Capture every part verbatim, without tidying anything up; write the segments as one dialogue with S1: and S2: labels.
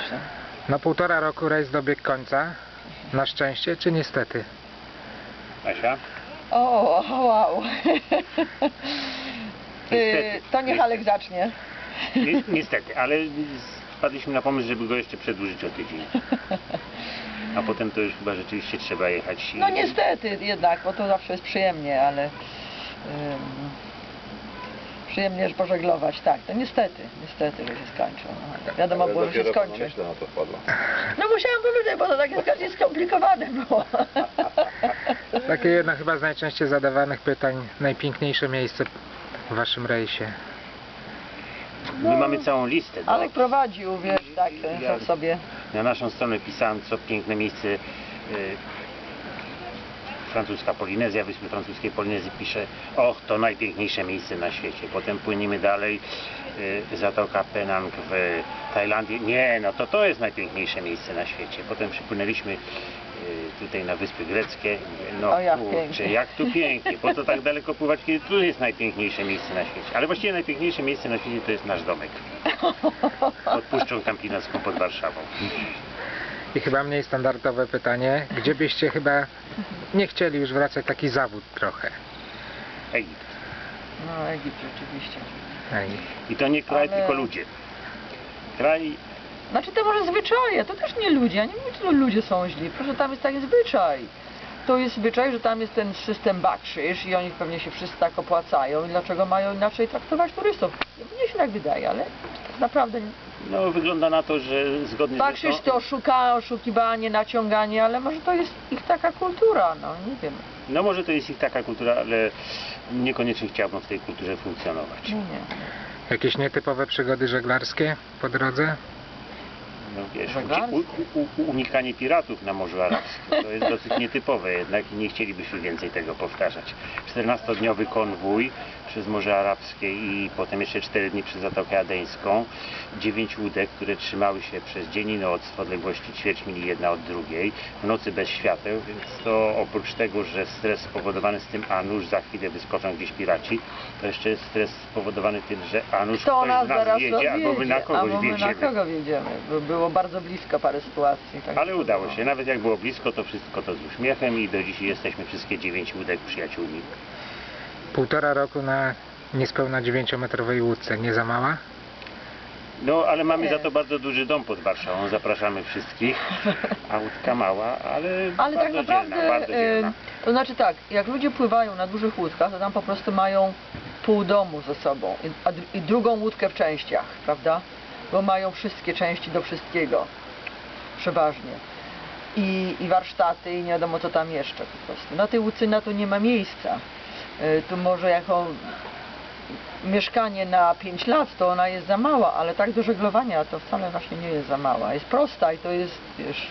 S1: myślę.
S2: No półtora roku rejs dobiegł końca. Na szczęście czy niestety?
S3: Asia?
S1: O, wow.
S3: Niestety,
S1: To niech Alek zacznie.
S3: Ni niestety, ale wpadliśmy na pomysł, żeby go jeszcze przedłużyć o tydzień. A potem to już chyba rzeczywiście trzeba jechać.
S1: No niestety jednak, bo to zawsze jest przyjemnie, ale ym, przyjemnie jest pożeglować, tak, to niestety, niestety, że się skończył. No, wiadomo było, że się skończy.
S4: Myślę, na to wpadła.
S1: No musiałam powiedzieć, bo to takie bardziej skomplikowane było.
S2: Takie jedno chyba z najczęściej zadawanych pytań. Najpiękniejsze miejsce w waszym rejsie.
S3: My mamy całą listę. No.
S1: Alek prowadził, wiesz, tak,
S3: Ja-
S1: sobie.
S3: Na naszą stronę pisałem, co piękne miejsce. Y, francuska Polinezja, wyspy francuskiej Polinezji pisze, och, to najpiękniejsze miejsce na świecie. Potem płyniemy dalej, y, Zatoka Penang w Tajlandii. Nie, no to to jest najpiękniejsze miejsce na świecie. Potem przypłynęliśmy y, tutaj na wyspy greckie. No
S1: O, jak
S3: kurczę,
S1: pięknie.
S3: jak tu pięknie. Po co tak daleko pływać, kiedy tu jest najpiękniejsze miejsce na świecie. Ale właściwie najpiękniejsze miejsce na świecie to jest nasz domek. Pod Puszczą Kampinowską pod Warszawą.
S2: I chyba mniej standardowe pytanie. Gdzie byście chyba nie chcieli już wracać, taki zawód trochę?
S3: Egipt.
S1: No Egipt rzeczywiście.
S2: Ej.
S3: I to nie kraj,
S1: Ale-
S3: tylko ludzie. Kraj,
S1: Znaczy to może zwyczaje, to też nie ludzie, ja nie mówię, że ludzie są źli, proszę, tam jest taki zwyczaj. To jest zwyczaj, że tam jest ten system bakszysz i oni pewnie się wszyscy tak opłacają i dlaczego mają inaczej traktować turystów? Mnie się tak wydaje, ale tak naprawdę nie.
S3: no wygląda na to, że zgodnie
S1: Bakszysz
S3: z
S1: to oszuka, oszukiwanie, naciąganie, ale może to jest ich taka kultura, no nie wiem.
S3: No może to jest ich taka kultura, ale niekoniecznie chciałbym w tej kulturze funkcjonować.
S1: Nie, nie.
S2: Jakieś nietypowe przygody żeglarskie po drodze?
S3: No wiesz,
S1: Żeglarskie?
S3: u, u, u, unikanie piratów na Morzu Arabskim, to jest dosyć nietypowe jednak i nie chcielibyśmy więcej tego powtarzać. czternastodniowy konwój przez Morze Arabskie i potem jeszcze cztery dni przez Zatokę Adeńską. dziewięć łódek, które trzymały się przez dzień i noc w odległości ćwierć mili jedna od drugiej, w nocy bez świateł, więc to oprócz tego, że stres spowodowany z tym, a nuż za chwilę wyskoczą gdzieś piraci, to jeszcze jest stres spowodowany tym, że a nuż
S1: Kto
S3: ktoś
S1: nas
S3: z nas
S1: zaraz
S3: wiedzie, albo my na
S1: odwiedzie,
S3: kogoś
S1: albo my na
S3: wiedziemy.
S1: kogo wiedziemy, bo było bardzo blisko parę sytuacji. Tak.
S3: Ale udało się, nawet jak było blisko, to wszystko to z uśmiechem i do dzisiaj jesteśmy wszystkie dziewięć łódek przyjaciółmi.
S2: Półtora roku na niespełna dziewięciometrowej łódce. Nie za mała?
S3: No, ale mamy
S1: Nie.
S3: za to bardzo duży dom pod Warszawą, zapraszamy wszystkich. A łódka mała, ale,
S1: Ale tak
S3: bardzo
S1: naprawdę,
S3: dzielna, bardzo dzielna.
S1: e, to znaczy tak, jak ludzie pływają na dużych łódkach, to tam po prostu mają pół domu ze sobą i, a, dr- i drugą łódkę w częściach, prawda? Bo mają wszystkie części do wszystkiego, przeważnie. I, i warsztaty i nie wiadomo co tam jeszcze po prostu. Na tej łódce na to nie ma miejsca. E, tu może jako mieszkanie na pięć lat to ona jest za mała, ale tak do żeglowania to wcale właśnie nie jest za mała. Jest prosta i to jest, wiesz,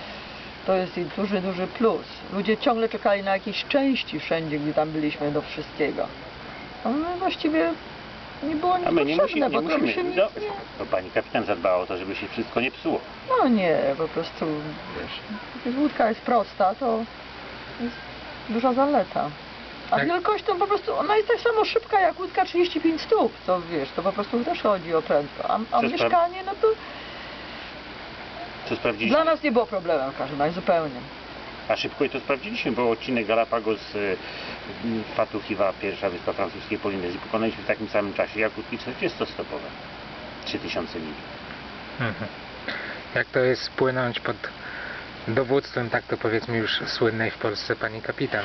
S1: to jest jej duży, duży plus. Ludzie ciągle czekali na jakieś części wszędzie, gdzie tam byliśmy, do wszystkiego. A my właściwie nie było nic
S3: A my nie, musi,
S1: potrzebne,
S3: nie
S1: bo to by
S3: musimy.
S1: się nic
S3: No,
S1: nie...
S3: to pani kapitan zadbała o to, żeby się wszystko nie psuło.
S1: No nie, po prostu, wiesz, jak łódka jest prosta, to jest duża zaleta. A
S2: Tak.
S1: wielkością po prostu, ona jest tak samo szybka jak łódka trzydzieści pięć stóp, to wiesz, to po prostu też chodzi o prędkość. A, a
S3: Co
S1: mieszkanie, no to
S3: Co sprawdziliśmy?
S1: dla nas nie było problemem w każdym razie, zupełnie.
S3: A szybko i to sprawdziliśmy, bo odcinek Galapagos y, Fatuhiva, pierwsza wyspa francuskiej Polinezji, pokonaliśmy w takim samym czasie jak łódki czterdziestostopowe. trzy tysiące mil.
S2: Mhm. Jak to jest płynąć pod dowództwem, tak to powiedzmy już słynnej w Polsce pani kapitan?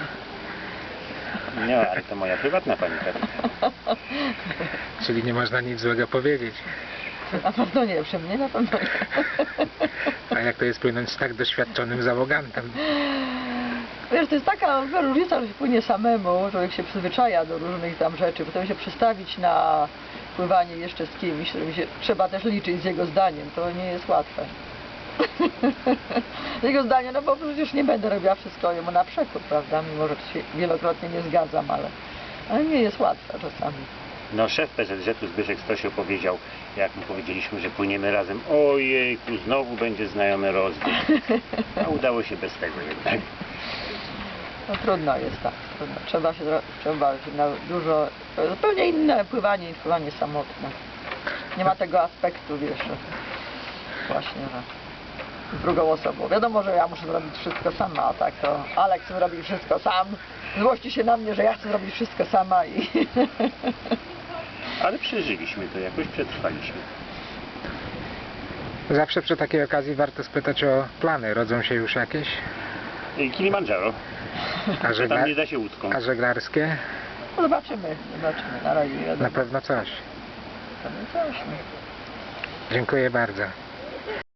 S3: No, ale to moja prywatna pani kapitan.
S2: Czyli nie można nic złego powiedzieć.
S1: Na pewno nie, przy mnie na pewno nie.
S2: A jak to jest płynąć z tak doświadczonym załogantem?
S1: Wiesz, to jest taka różnica, że się płynie samemu, człowiek się przyzwyczaja do różnych tam rzeczy, potem się przestawić na pływanie jeszcze z kimś, którym się trzeba też liczyć z jego zdaniem, to nie jest łatwe. Z jego zdaniem, no bo przecież nie będę robiła wszystko jemu na przekór, prawda, mimo że się wielokrotnie nie zgadzam, ale, ale nie jest łatwe czasami.
S3: No szef P Z Z-u Zbyszek Stosio powiedział, jak mu powiedzieliśmy, że płyniemy razem, ojejku, znowu będzie znajomy rozwój. A udało się bez tego jednak.
S1: No trudno jest tak, trudno. Trzeba się, trzeba się na dużo, to jest zupełnie inne pływanie niż pływanie samotne. Nie ma tego aspektu, wiesz. właśnie, że z drugą osobą. Wiadomo, że ja muszę zrobić wszystko sama, a tak to Aleks robi wszystko sam. Złości się na mnie, że ja chcę zrobić wszystko sama i
S3: Ale przeżyliśmy to, jakoś przetrwaliśmy.
S2: Zawsze przy takiej okazji warto spytać o plany. Rodzą się już jakieś?
S3: I Kilimandżaro,
S2: A,
S3: to
S2: żegla...
S3: tam nie da się łódką.
S2: A żeglarskie?
S1: no zobaczymy, zobaczymy. Na razie nie
S2: Na
S1: wiadomo.
S2: pewno coś.
S1: Pewnie coś, no.
S2: Dziękuję bardzo.